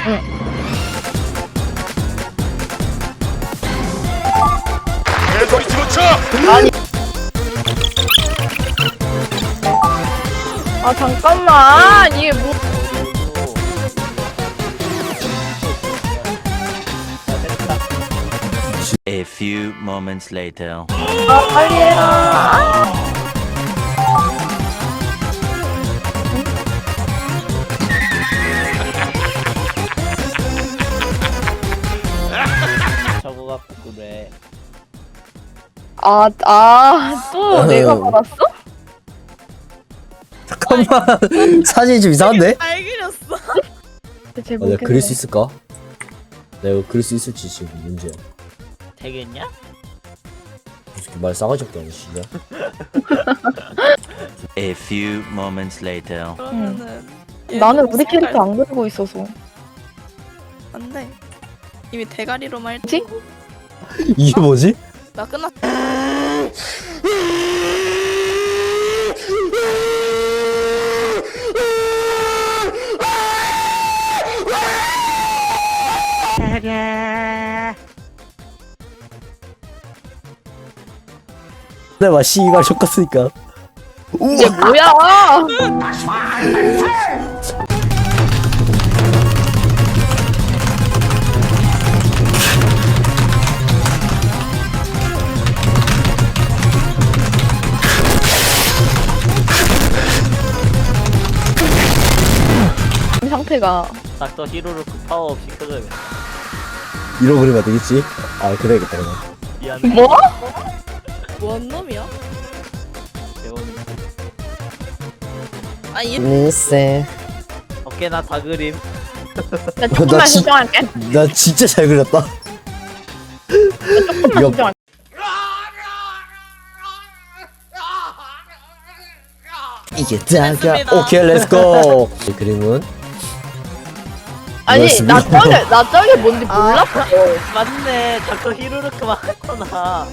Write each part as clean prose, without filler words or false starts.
응. 개소리 집어쳐! 아니. 아 잠깐만 이게 뭐? A few moments later. 아 빨리 해라. 저거 갖고 그래. 또 내가 받았어? 잠깐만 사진이 좀 이상한데? 잘 그렸어. 대체 내가 그릴 수 있을까? 내가 이거 그릴 수 있을지 지금 문제야. 되겠냐? 솔직히 말 싸가지 없게 하네 진짜. A few moments later. 그러면은 나는 우리 캐릭터 안 그리고 있어서. 안돼. 이미 대가리로만 뭐지? 이게 뭐지? 나 끝났. 내가 씨발 ሾ갔으니까. 이게 뭐야? 이 상태가 닥터 히로로크 파워 없이 켜져야겠다. 이러고 그리면 되겠지? 아 그래야겠다 그러면. 미안해. 뭐? 뭔 놈이야? 배우니. 아얘 글쎄. 어깨나 다 그림. 나 조금만 나 진- 신청할게. 나 진짜 잘 그렸다. 조금만 이거- 신청할게. 이게 다가. 됐습니다. 오케이 렛츠고. 이 그림은 아니 이거였습니다. 나 저게 뭔지 몰랐어. 맞네. 닥터 히로로크만 했구나.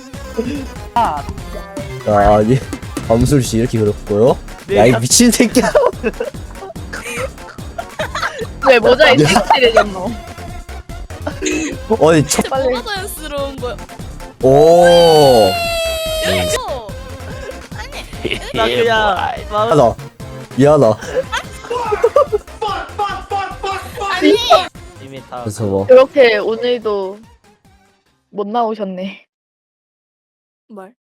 아니 밤술씨 이렇게 그렸고요. 네, 야 이 미친 새끼야. 왜 모자이 섹시해졌노? 어디 첫. 진짜 뭐가 자연스러운 거야? 오. 이거 나 그냥 마음 미안하다. 미안하다. 아니 이미 다. 그래서 뭐. 그렇게 오늘도 못 나오셨네. 말.